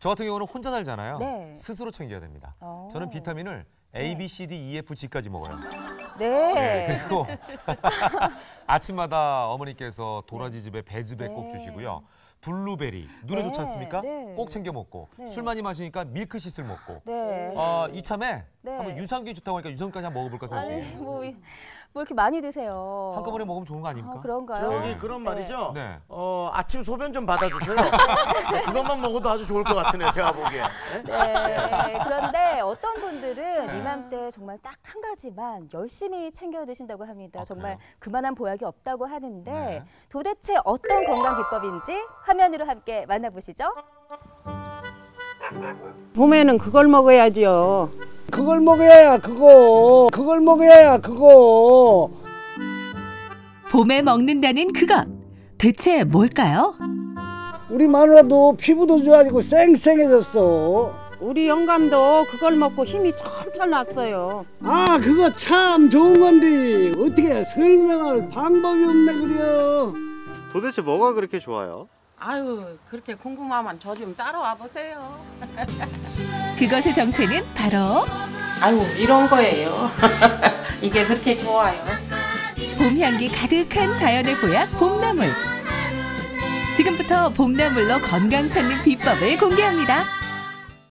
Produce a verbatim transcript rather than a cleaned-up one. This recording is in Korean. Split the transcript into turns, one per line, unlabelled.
저 같은 경우는 혼자 살잖아요.
네.
스스로 챙겨야 됩니다.
오.
저는 비타민을 A, B, C, D, E, F, G까지 먹어요.
네.
네, 그리고 아침마다 어머니께서 도라지즙에 배즙에
네.
꼭 주시고요. 블루베리 눈에
네,
좋지 않습니까?
네.
꼭 챙겨 먹고
네.
술 많이 마시니까 밀크시슬 먹고
네.
어, 이참에
네.
한번 유산균 좋다고 하니까 유산균까지 한번 먹어볼까 생각
아니,
중이에요.
뭐, 뭐 이렇게 많이 드세요.
한꺼번에 먹으면 좋은 거 아닙니까?
아, 그런가요?
저기
네.
그런
네.
말이죠.
네.
어, 아침 소변 좀 받아주세요. 그것만 먹어도 아주 좋을 것 같으네요. 제가 보기에. 네?
네. 그런데 어떤 분들은 이맘때 정말 딱 한 가지만 열심히 챙겨 드신다고 합니다.
아,
정말
그래요?
그만한 보약이 없다고 하는데
네.
도대체 어떤 건강 비법인지 화면으로 함께 만나보시죠.
봄에는 그걸 먹어야지요.
그걸 먹어야 그거 그걸 먹어야 그거
봄에 먹는다는 그것. 대체 뭘까요?
우리 마누라도 피부도 좋아지고 쌩쌩해졌어.
우리 영감도 그걸 먹고 힘이 철철 났어요.
아 그거 참 좋은 건데 어떻게 설명할 방법이 없네 그려.
도대체 뭐가 그렇게 좋아요?
아유, 그렇게 궁금하면 저 좀 따라와 보세요.
그것의 정체는 바로
아유, 이런 거예요. 이게 그렇게 좋아요.
봄 향기 가득한 자연의 보약 봄나물. 지금부터 봄나물로 건강 찾는 비법을 공개합니다.